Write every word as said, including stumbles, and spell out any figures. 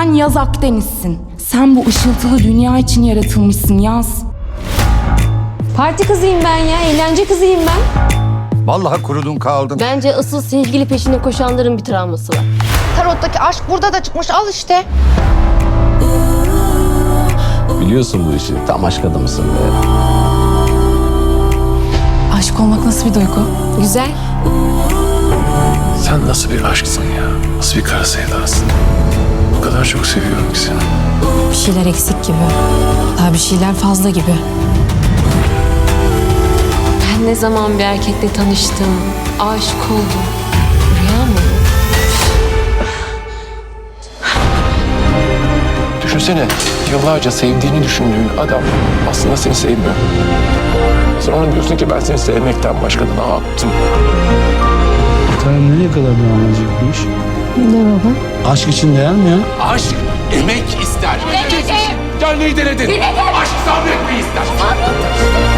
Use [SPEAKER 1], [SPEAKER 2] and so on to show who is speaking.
[SPEAKER 1] Sen Yaz Akdeniz'sin. Sen bu ışıltılı dünya için yaratılmışsın Yaz.
[SPEAKER 2] Parti kızıyım ben ya, eğlence kızıyım ben.
[SPEAKER 3] Vallahi kurudun kaldın.
[SPEAKER 4] Bence asıl sevgili peşine koşanların bir travması var.
[SPEAKER 5] Tarottaki aşk burada da çıkmış, al işte.
[SPEAKER 6] Biliyorsun bu işi. Tam aşk adamısın be.
[SPEAKER 1] Aşık olmak nasıl bir duygu?
[SPEAKER 4] Güzel.
[SPEAKER 7] Sen nasıl bir aşksın ya? Nasıl bir kara sevdasın? O kadar çok seviyorum ki seni.
[SPEAKER 2] Bir şeyler eksik gibi. Daha bir şeyler fazla gibi.
[SPEAKER 4] Ben ne zaman bir erkekle tanıştım, aşık oldum. Rüya mı?
[SPEAKER 7] Düşünsene, yıllarca sevdiğini düşündüğün adam aslında seni sevmiyor. Sonra diyorsun ki ben seni sevmekten başka da ne yaptım?
[SPEAKER 8] Bakalım nereye kadar devam edecek bu iş?
[SPEAKER 4] Ne baba?
[SPEAKER 8] Aşk için değer mi ya?
[SPEAKER 6] Aşk emek ister. Denedin. Gönlünü denedin. Aşk sabretmeyi ister.